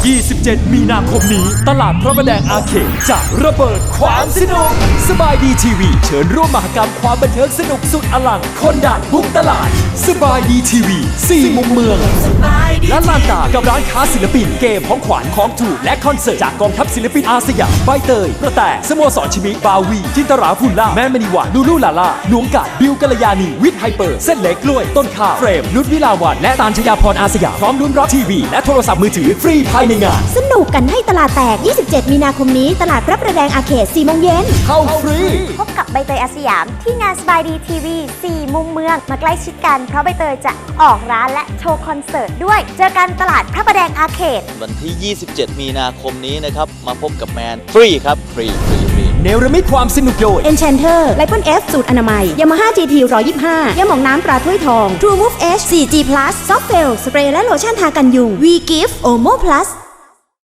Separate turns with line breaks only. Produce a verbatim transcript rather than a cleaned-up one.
ยี่สิบเจ็ด มีนาคมนี้ตลาดพระประแดงอาร์เคดจะระเบิดความสนุกสบายดีทีวีเชิญร่วมมหกรรมความบันเทิงสนุกสุดอลังคนดังบุกตลาดสบายดีทีวีสี่มุมเมืองและลานตากับร้านค้าศิลปินเกมของขวัญของถูกและคอนเสิร์ตจากกองทัพศิลปินอาสยามใบเตยกระแตสโมสรชิมิบาวีจินตราฟุลล่าแม่มณีวันลูลูลาล่าหลวงกาดบิวกัลยาณีวิทย์ไฮเปอร์เส้นเล็กกล้วยต้นข้าวเฟรมนุชวิลาวันและตาลชยาพรอาสยามพร้อมลุ้นรับทีวีและโทรศัพท์มือถือฟรีภายในงาน
สนุกกันให้ตลาดแตก ยี่สิบเจ็ด มีนาคมนี้ตลาดพระประแดงอาร์เคด สี่โมงเย็น
เข้าฟรี
พบกับใบเตยอาสยามที่งานสบายดีทีวีสี่มุมเมืองมาใกล้ชิดกันเพราะใบเตยจะออกร้านและโชว์คอนเสิร์ตด้วยเจอกันตลาดพระประแดงอาร์เคด
วันที่ ยี่สิบเจ็ด มีนาคมนี้นะครับมาพบกับแมนฟรีครับฟรีฟรีฟรี
เนรมิตความสนุกโดย
Enchanter ไลปอน F สูตรอนามัย Yamaha จี ที หนึ่งร้อยยี่สิบห้ายาหม่องน้ำตราถ้วยทอง True Move H โฟร์ จี Plus Soft Gel สเปรย์และโลชั่นทากันยุง We Give Omo Plus